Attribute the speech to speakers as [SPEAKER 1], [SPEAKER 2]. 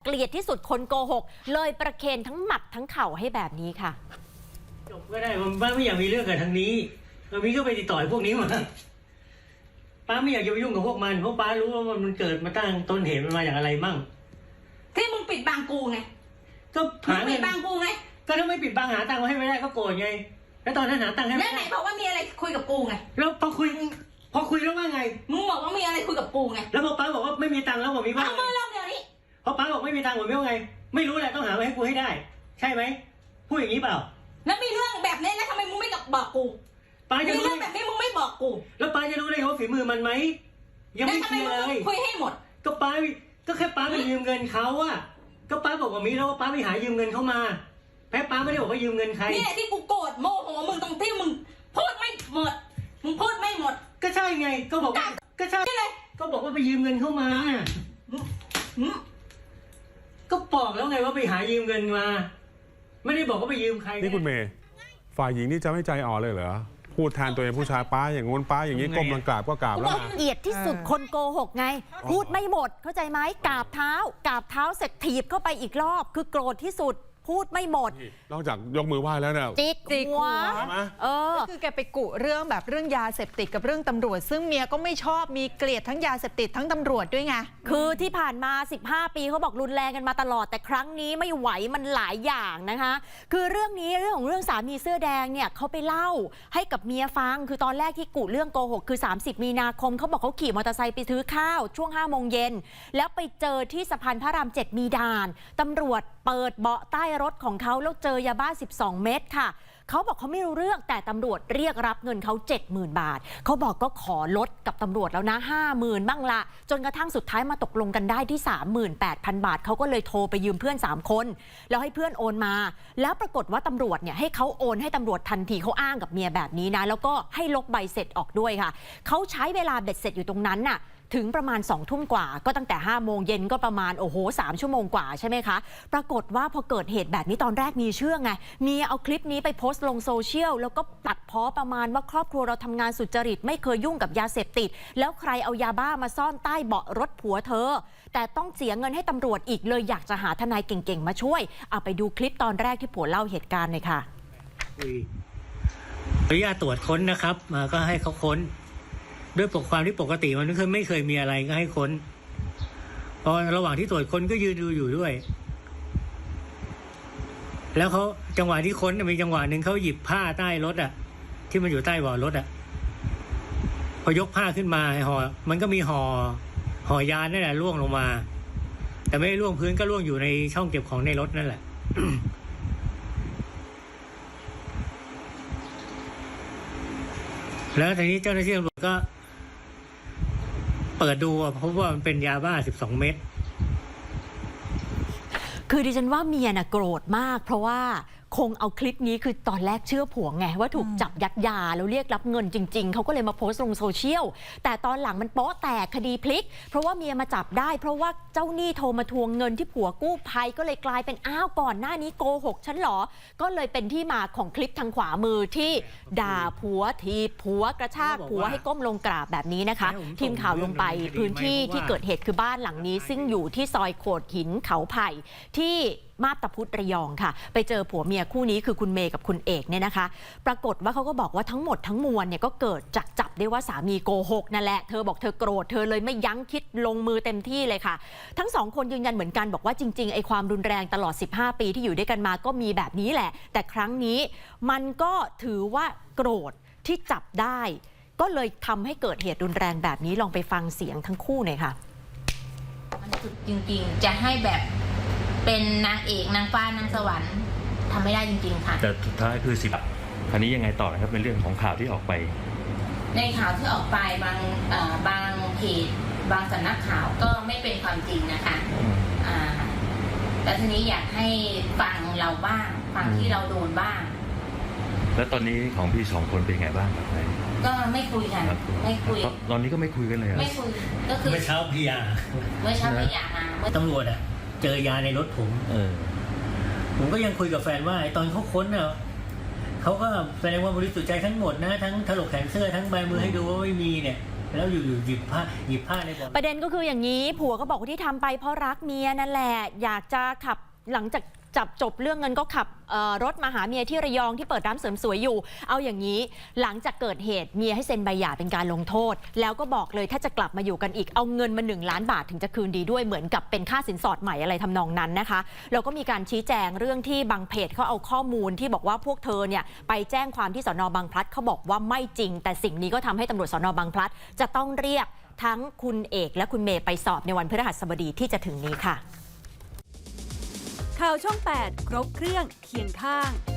[SPEAKER 1] กลียดที่สุดคนโกหกเลยประเคนทั้งหมัดทั้งเข่าให้แบบนี้ค่ะ
[SPEAKER 2] จบก็ได้ป้าไม่อยากมีเรื่องกับทางนี้เรามีก็ไปติดต่อพวกนี้มาป้าไม่อยากจะไปยุ่งกับพวกมันเพราะป้ารู้ว่ามันเกิดมาตั้งต้นเหตุมันมาจากอะไรมั่ง
[SPEAKER 3] ที่มึงปิดบังกูไง
[SPEAKER 2] ก็หาเงิน
[SPEAKER 3] ปิดบังกูไง
[SPEAKER 2] ก็ถ้าไม่ปิดบังหาตังค์มาให้ไม่ได้ก็โกรธไงแล้วตอนนั้นหาตังค์ให้ไม่ได้
[SPEAKER 3] แล้วไหนบอกว่ามีอะไรคุยกับกูไง
[SPEAKER 2] แล้วพอคุยแล้วว่าไง
[SPEAKER 3] มึงบอกว่ามีอะไรคุยกับกูไง
[SPEAKER 2] แล้วพอป้าบอกว่าไม่มีตังค์แล้วผมมีว่า
[SPEAKER 3] เอามือลงเดี๋ยวนี้
[SPEAKER 2] พอป้าบอกไม่มีตังค์ผมไม่ว่าไงไม่รู้แหละต้องหามาให้กูให้ได้ใช่ไหมพูดอย่างนี้เปล่า
[SPEAKER 3] แล้วมีเรื่องแบบนี้แล้วทำไมมึงไม่บอกกู
[SPEAKER 2] ป้าจะรู้
[SPEAKER 3] เรื่องแบบนี้มึงไม่บอกกู
[SPEAKER 2] แล้วป้าจะรู้ได้ว่าฝีมือมันไหมยังไม่เคลียร์เลย
[SPEAKER 3] คุยให้หมด
[SPEAKER 2] ก็ป้าก็แค่ป้าไปยืมเงินเขาอะก็ป้าบอกว่ามีแล้วว่าป้าไปหายืมเงินเขามาแพ้ป้าไม่ได้บอกว่ายืมเงินใคร
[SPEAKER 3] นี่แหละที่กูโกรธโมโหมึงตรงที่มึงพูดไม่หมดมึงพูดไม่หมด
[SPEAKER 2] ก็ใช่ไงก็บอกว่าก็ใช่ก็บอกว่าไปยืมเงินเข้ามาก็บอกแล้วไงว่าไปหายืมเงินมาไม่ได้บอกว่าไปยืมใคร
[SPEAKER 4] นี่คุณเมย์ฝ่ายหญิงนี่จะไม่ใจอ่อนเลยเหรอพูดแทนตัวเองผู้ชายป้าอย่างงู้นป้าอย่างนี้ก้มลงกราบก็กราบแล้ว
[SPEAKER 1] เกลียดที่สุดคนโกหกไงพูดไม่หมดเข้าใจไหมกราบเท้าเสร็จถีบเข้าไปอีกรอบคือโกรธที่สุดพูดไม่หมด
[SPEAKER 4] นอกจากยกมือไหว้แล้วเนี่ย
[SPEAKER 1] จิกหัว
[SPEAKER 5] คือแกไปกุเรื่องแบบเรื่องยาเสพติดกับเรื่องตำรวจซึ่งเมียก็ไม่ชอบมีเกลียดทั้งยาเสพติดทั้งตำรวจด้วยไง
[SPEAKER 1] คือที่ผ่านมา15ปีเขาบอกรุนแรงกันมาตลอดแต่ครั้งนี้ไม่ไหวมันหลายอย่างนะคะคือเรื่องนี้เรื่องของเรื่องสามีเสื้อแดงเนี่ยเขาไปเล่าให้กับเมียฟังคือตอนแรกที่กุเรื่องโกหกคือ30มีนาคมเขาบอกเขาขี่มอเตอร์ไซค์ไปซื้อข้าวช่วง5 โมงเย็นแล้วไปเจอที่สะพานพระราม7มีด่านตำรวจเปิดเบาะใต้รถของเขาแล้วเจอยาบ้า12 เม็ดค่ะเขาบอกเขาไม่รู้เรื่องแต่ตำรวจเรียกรับเงินเขา 70,000 บาทเขาบอกก็ขอลดกับตำรวจแล้วนะ 50,000 บ้างละจนกระทั่งสุดท้ายมาตกลงกันได้ที่ 38,000 บาทเขาก็เลยโทรไปยืมเพื่อน3 คนแล้วให้เพื่อนโอนมาแล้วปรากฏว่าตำรวจเนี่ยให้เขาโอนให้ตำรวจทันทีเขาอ้างกับเมียแบบนี้นะแล้วก็ให้ลบใบเสร็จออกด้วยค่ะเขาใช้เวลาเบ็ดเสร็จอยู่ตรงนั้นน่ะถึงประมาณ20 ทุ่มกว่าก็ตั้งแต่5 โมงเย็นก็ประมาณ3 ชั่วโมงกว่าใช่ไหมคะปรากฏว่าพอเกิดเหตุแบบนี้ตอนแรกมีเชื่อไงมีเอาคลิปนี้ไปโพสต์ลงโซเชียลแล้วก็ตัดพ้อประมาณว่าครอบครัวเราทำงานสุจริตไม่เคยยุ่งกับยาเสพติดแล้วใครเอายาบ้ามาซ่อนใต้เบาะรถผัวเธอแต่ต้องเสียเงินให้ตำรวจอีกเลยอยากจะหาทนายเก่งๆมาช่วยเอาไปดูคลิปตอนแรกที่ผัวเล่าเหตุการณ์เลยค่ะ
[SPEAKER 2] อนุญาตตรวจค้นนะครับมาก็ให้เขาค้นด้วยความที่ปกติมันไม่เคยมีอะไรก็ให้ค้นพอระหว่างที่ตรวจค้นก็ยืนดูอยู่ด้วยแล้วเขาจังหวะที่ค้นมีจังหวะหนึ่งเขาหยิบผ้าใต้รถที่มันอยู่ใต้เบาะรถพอยกผ้าขึ้นมาห่อมันก็มีห่อยานั่นแหละร่วงลงมาแต่ไม่ได้ร่วงพื้นก็ร่วงอยู่ในช่องเก็บของในรถนั่นแหละ แล้วทีนี้เจ้าหน้าที่ตำรวจก็เปิดดูพบว่ามันเป็นยาบ้า12 เม็ด
[SPEAKER 1] คือดิฉันว่าเมียน่ะโกรธมากเพราะว่าคงเอาคลิปนี้คือตอนแรกเชื่อผัวไงว่าถูกจับยัดยาแล้วเรียกรับเงินจริงๆเขาก็เลยมาโพสต์ลงโซเชียลแต่ตอนหลังมันโป๊ะแตกคดีพลิกเพราะว่าเมียมาจับได้เพราะว่าเจ้าหนี้โทรมาทวงเงินที่ผัวกู้ภัยก็เลยกลายเป็นอ้าวก่อนหน้านี้โกหกฉันหรอก็เลยเป็นที่มาของคลิปทางขวามือที่ด่าผัวทีผัวกระชากผัวให้ก้มลงกราบแบบนี้นะคะทีมข่าวลงไปพื้นที่ที่เกิดเหตุคือบ้านหลังนี้ซึ่งอยู่ที่ซอยโขดหินเขาไผ่ที่มาบตาพุธระยองค่ะไปเจอผัวเมียคู่นี้คือคุณเมย์กับคุณเอกเนี่ยนะคะปรากฏว่าเขาก็บอกว่าทั้งหมดทั้งมวลเนี่ยก็เกิดจากจับได้ว่าสามีโกหกนั่นแหละเธอบอกเธอโกรธเธอเลยไม่ยั้งคิดลงมือเต็มที่เลยค่ะทั้ง2 คนยืนยันเหมือนกันบอกว่าจริงๆไอ้ความรุนแรงตลอด15 ปีที่อยู่ด้วยกันมาก็มีแบบนี้แหละแต่ครั้งนี้มันก็ถือว่าโกรธที่จับได้ก็เลยทำให้เกิดเหตุรุนแรงแบบนี้ลองไปฟังเสียงทั้งคู่หน่อยค่ะ
[SPEAKER 6] มันสุดจริงๆจะให้แบบเป็นนางเอกนางฟ้านางสวรรค์ทำไม่ได้จริงๆค่ะ
[SPEAKER 7] แต่สุดท้ายคือคราวนี้ยังไงต่อนะครับเป็นเรื่องของข่าวที่ออกไป
[SPEAKER 6] ในข่าวที่ออกไปบางเพจบางสำนักข่าวก็ไม่เป็นความจริงนะคะแต่ทีนี้อยากให้ฟังเราบ้างฟังที่เราโดนบ้าง
[SPEAKER 7] แล้วตอนนี้ของพี่2 คนเป็นไงบ้างครับ
[SPEAKER 6] ก็ไม่คุยกันไม่คุย
[SPEAKER 7] ตอนนี้ก็ไม่คุยกันเลย
[SPEAKER 6] ไม่คุยก็คือ
[SPEAKER 2] เมื่อเช้าพยามาตำรวจเจอยาในรถผมก็ยังคุยกับแฟนว่าตอนเขาค้นเขาก็แสดงว่าบริสุทธิ์ใจทั้งหมดนะทั้งถลกแขนเสื้อทั้งใบมือให้ดูว่าไม่มีเนี่ยแล้วอยู่ๆหยิบผ้าในบ่อ
[SPEAKER 1] ประเด็นก็คืออย่างนี้ผัวก็บอกว่าที่ทำไปเพราะรักเมียนั่นแหละอยากจะขับหลังจากจับจบเรื่องเงินก็ขับรถมาหาเมียที่ระยองที่เปิดร้านเสริมสวยอยู่เอาอย่างนี้หลังจากเกิดเหตุเมียให้เซ็นใบหย่าเป็นการลงโทษแล้วก็บอกเลยถ้าจะกลับมาอยู่กันอีกเอาเงินมา1 ล้านบาทถึงจะคืนดีด้วยเหมือนกับเป็นค่าสินสอดใหม่อะไรทำนองนั้นนะคะแล้วก็มีการชี้แจงเรื่องที่บางเพจเขาเอาข้อมูลที่บอกว่าพวกเธอเนี่ยไปแจ้งความที่สน.บางพลัดเขาบอกว่าไม่จริงแต่สิ่งนี้ก็ทำให้ตำรวจสน.บางพลัดจะต้องเรียกทั้งคุณเอกและคุณเมย์ไปสอบในวันพฤหัสบดีที่จะถึงนี้ค่ะ
[SPEAKER 8] ข่าวช่อง 8 ครบเครื่องเคียงข้าง